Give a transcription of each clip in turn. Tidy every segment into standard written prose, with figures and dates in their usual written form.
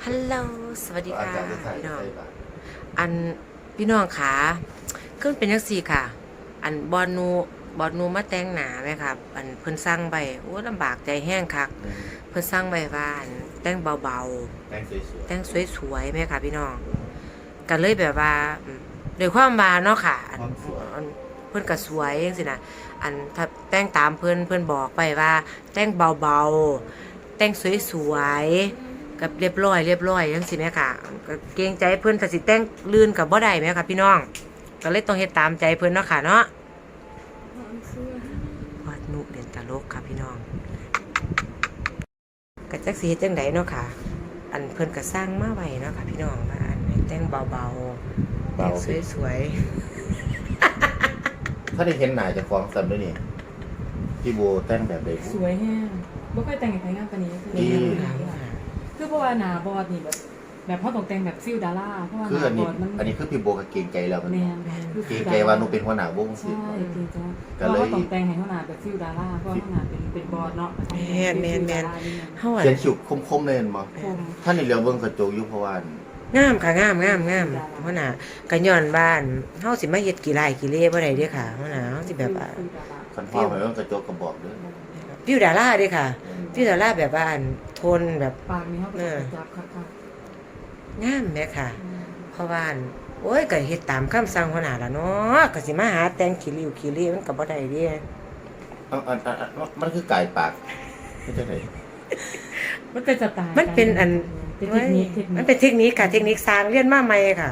ฮัลโหลสวัสดีค่ะอาจารย์จะถ่ายพี่น้องใช่ปะอันพี่น้องขาขึ้นเป็นจังซี่ค่ะ อันบอลนูมาแต่งหนาไหมครับอันเพิ่นสั่งไปโอ้ลำบากใจแห้งคักเพิ่นสั่งไปว่าอันแต่งเบาแต่งสวยๆแต่งสวยๆไหมค่ะพี่น้องก็เลยแบบว่าด้วยความว่าเนาะค่ะอันเพิ่นก็สวยจังซี่นะอันถ้าแต่งตามเพิ่นบอกไปว่า แต่งเบาๆแต่งสวยๆกับเรียบร้อยจังซี่แม่ค่ะก็เกรงใจเพิ่นถ้าสิแต่งลื่นกับบ่ได้แม่ค่ะพี่น้องก็เลยต้องเฮ็ดตามใจเพิ่นเนาะค่ะเนาะวาดนุเด่นตลกค่ะพี่น้องก็จักสิเฮ็ดจังไดเนาะค่ะ อันเพิ่นก็สร้างมาไว้เนาะค่ะพี่น้องว่าอันให้แต่งเบาๆแต่งสวยๆถ้าได้เห็นหน้าจะฟ้องซ้ำด้วยนี่พี่โบแต่งแบบใดสวยแห้งบ่เคยแต่งให้ใครงานปานนี้คือๆนี่คือเพราะว่าหน้าบอดนี่แบบเขาต้องแต่งแบบฟิลดาราเพราะว่าหคือน้าอันบนี้อดมันอันนี้คือพี่โบก็เก่งใจแล้วมันแม่นคือเก่งใจว่าหนูเป็นหัวหน้าวงสิใช่เก่งใจก็เพราะเลยว่าต้องแต่งให้เขาหน้าแบบฟิลดาราเพราะว่าเขาหน้าเป็นบอดเนาะแม่นเฮาเขียนอะฉุกคมๆเลยมั้งคมท่านนี่เลี้ยวเบิ่งกระจกอยู่เพราะว่างามค่ะงามหัวหน้าก็ย้อนบ้านเฮาสิมาเฮ็ดกี่ไร่กี่เล่บ่ได้เด้อค่ะหัวหน้าเฮาสิแบบว่าคันพ่อไปเบิ่งกระจกก็บอกเด้อฟิวดาราเด้อค่ะฟิวดาราแบบว่าอันโทนแบบปากนี่เขาก็จะจับคักงามแม่ค่ะ เพราะว่าอันโอ้ยก็เฮ็ดตามคำสั่งหัวหน้าล่ะเนาะก็สิมาหาแต่งขี้ริ้วขี้เล่มันก็บ่ได้เด้มันคือกายปากไม่ใช่ไหนๆมันเป็นสไตล์มันเป็นอันเป็นเทคนิคมันเป็นเทคนิคค่ะเทคนิคสร้างเรียนมาใหม่ค่ะ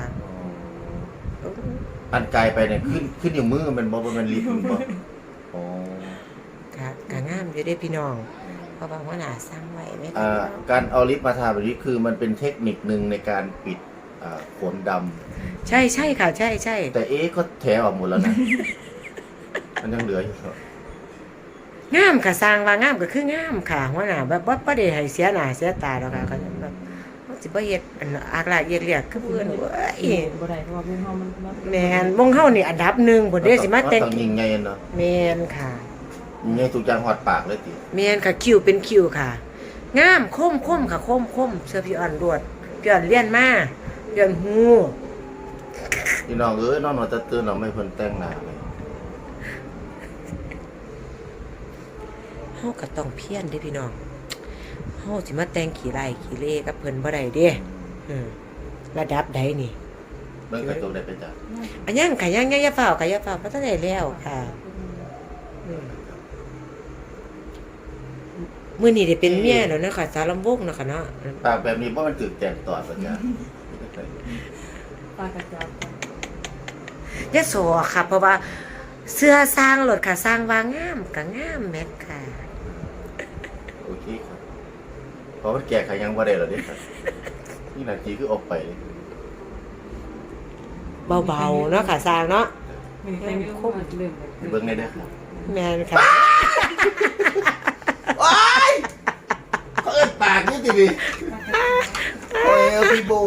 อันกายไปเนี่ยขึ้นอยู่มือมันบ่มันลิฟต์มันบ่อ๋อค่ะก็งามอยู่เด้พี่น้องเพราะว่าหัวหน้าสร้างไว้แม่ค่ะอ่าพี่น้องการเอาลิฟต์มาทาแบบนี้คือมันเป็นเทคนิคนึงในการปิดขนดำใช่ค่ะใช่แต่ก็แถออกหมดแล้วนะ มันยังเหลืออยู่ครับงามค่ะสร้างว่างามก็คืองามค่ะหัวหน้าแบบบ่ได้ให้เสียหน้าเสียตาดอกค่ะก็แบบเขาสิบ่เฮ็ดอันอากลากเอียดเรียกคือเพิ่นเว้ยบ่ได้เพราะว่าวงเฮามันแม่นวงเฮานี่อันดับหนึ่งพุ่นเด้สิมาแต่งต้องยิงไงเนาะแม่นค่ะยิงไงทุกอย่างหอดปากเลยติแม่นค่ะคิวเป็นคิวค่ะ งามคมค่ะคมเสื้อพี่อ่อนรวดพี่อ่อนเรียนมาพี่อ่อนฮู้พี่น้องน้องจะตื่นเราไม่เพิ่นแต่งหน้าเลยเฮาก็ต้องเพียรเด้พี่น้องเฮาสิมาแต่งขี้ไร่ขี้เล่กับเพิ่นบ่ได้เด้ระดับใดนี่เบิ่งกระจกได้ไปจ้ะอันยังค่ะยังอย่าเฝ้าค่ะอย่าเฝ้าเพราะทันได้แล้วค่ะมื้อนี้ได้เป็นเมียแล้วนะคะสาวลำวงเนาะค่ะเนาะปากแบบนี้บ่มันถึกแจกตอดป่ะจ๊ะปากกระจับยะโสค่ะ เพราะว่าเสื้อสร้างรถค่ะสร้างว่างามก็งามแม็กค่ะโอเคครับเพราะมันแก่ขยังบ่ได้แล้วเด้ครับนี่นาทีคือออกไปเลยเบาๆเนาะค่ะสร้างเนาะมีแต่งคมเริ่มไปเบิ่งได้เด้อครับแม่นค่ะว้ายเขาเอิ้นปากนี่ติดิโอ้ยพี่โบ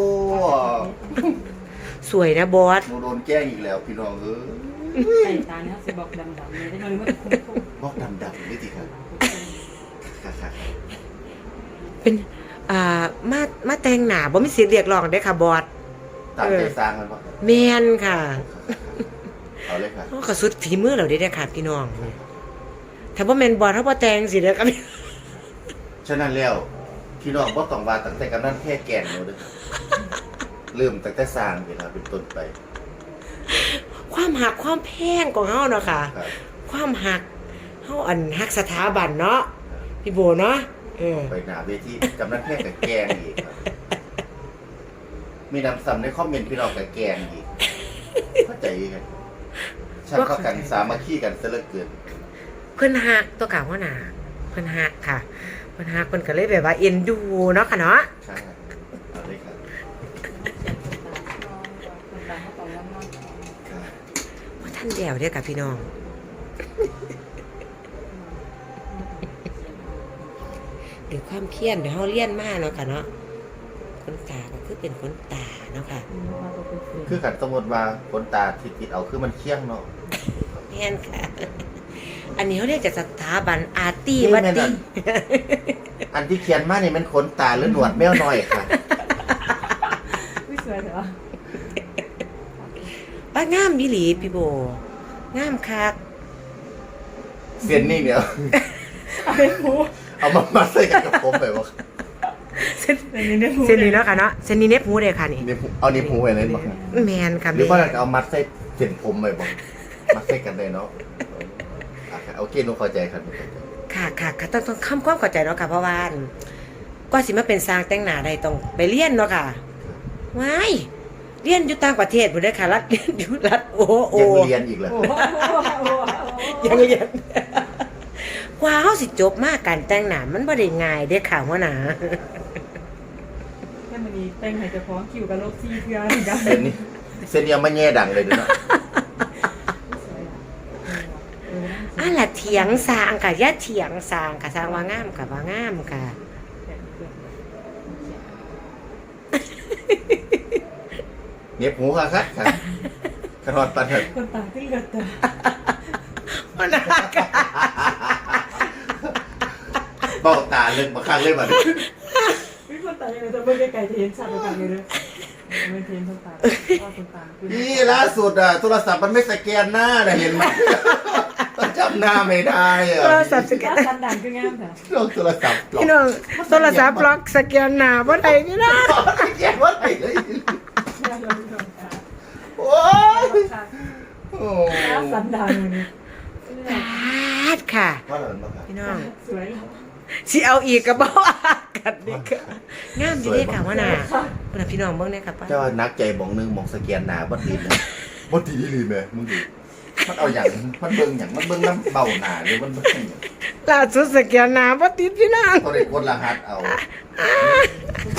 สวยนะบอสหนูโดนแกล้งอีกแล้วพี่น้องใส่ตาเนี่ยสิบอกดำๆเลยได้มันคมบอกดำๆนี่ติครับค่ะเป็นมาแต่งหน้าบ่มีสิทธิ์เรียกร้องได้ค่ะบอสตามใจสร้างมันบ่แม่นค่ะเอาเลยค่ะเฮาก็สุดฝีมือเราได้ค่ะพี่น้องถ้าบ่แม่นบอสเฮาบ่แต่งสิเด้อค่ะฉะนั้นแล้วพี่น้องบ่ต้องว่าตั้งแต่กำนันแค่แก่นหนูเด้อเริ่มตั้งแต่สร้างเวลาเป็นต้นไปความหักความแพงของเฮาเนาะค่ะครับความหักเฮาอันหักสถาบันเนาะพี่โบเนาะไปหน้าเวทีกำนันแค่กับแกงอีกครับมีนำซ้ำในคอมเมนต์พี่น้องกับแกงอีกเข้าใจกันช่างเข้ากันสามัคคีกันซะเหลือเกินเพิ่นหักตัวกลางว่าน่ะเพิ่นหักค่ะเพิ่นหักเพิ่นก็เลยแบบว่าเอ็นดูเนาะค่ะเนาะใช่เอาเลยครับครับบ่ทันแล้วเด้อค่ะพี่น้องด้วยความเพียรเดี๋ยวเฮาเรียนมาเนาะค่ะเนาะคนตาก็คือเป็นคนตาเนาะค่ะคือกันสมมติว่าคนตาที่ติดเอาคือมันเคี่ยงเนาะแม่นค่ะ อันนี้เขาเรียกจากสถาบันอาร์ตี้วัดนี่แม่นตี้อันที่เขียนมานี่มันขนตาหรือหนวดแมวน้อยค่ะสวยเถอะป้างามอีหลีพี่โบงามคักเส้นนี่เนี่ยเอาเป็นหมูเอามาใส่กันกับผมไปบ่เส้นเส้นนี้ได้หมูเส้นนี้เนาะค่ะเนาะเส้นนี้เน็บหูเลยค่ะนี่นี่เอานี่หูไว้เลยบ่แมนค่ะหรือว่าแม่เอามัดใส่เส้นผมไปบ่มัดใส่กันได้เนาะโอเคหนูเข้าใจครับค่ะต้องคำความเข้าใจเนาะค่ะเพราะว่าก็สิมาเป็นสร้างแต่งหน้าได้ต้องไปเรียนเนาะค่ะว้ายเรียนอยู่ต่างประเทศพุ่นเด้อค่ะรัฐเรียนอยู่รัฐโอยังเรียนอีกเหรอโอ้โหยังเรียนกว่าเฮาสิจบมาการแต่งหน้ามันบ่ได้ง่ายเด้อค่ะหัวหน้าแค่มันนี้แต่งให้เจะพร้าขอมคิวกับโลกซีเพื่อนกันเส้นนี้เส้นนี้เอามาแย่ดังเลยเนาะอันละเถียงสร้างค่ะอย่าเถียงสร้างค่ะสร้างว่างามค่ะว่างามค่ะเน็บหูค่ะครับกระทอดปันเถิดคนตาที่เลือดตาหัวหน้าค่ะเบ้าตาเลิกมาข้างเลยบัดวิคนตาอย่างไรจะเบิ่งไกลๆจะเห็นชัดกว่ากันเลยไม่เห็นคนตาว่าคนตาคือนี่ล่าสุดโทรศัพท์มันไม่สแกนหน้าน่ะเห็นไหมจำหน้าไม่ได้อะโทรศัพท์สแกกาน รสันดันคืองามค่ะลองโทรศัพท์ปลอพี่น้องโทรศัพท์ล็อกสแกนหน้าบ่ได้พี่น้องสแกนว่าไหนเลยโอ้ยโอ้การสันดันเลยปาดค่ะว่าอะไรบ้างครับพี่น้องสวยแล้วสิเอาอีกก็บ่กันนี่ค่ะงามอยู่เด้ค่ะหัวหน้าพุ่นน่ะพี่น้องเบิ่งเด้อค่ะป้าเจ้านักใจมองนึงมองสแกนหน้าบ่ดีเลยบ่ดีเลยแม่มึงดิมันเอาอย่างมันเบิ่งอย่างมันเบิ่งน้ำเบาหน้าหรือมันเบิ่งอย่างล่าสุดสแกนหน้าบ่ติดพี่น้องเขาได้กดรหัสเอา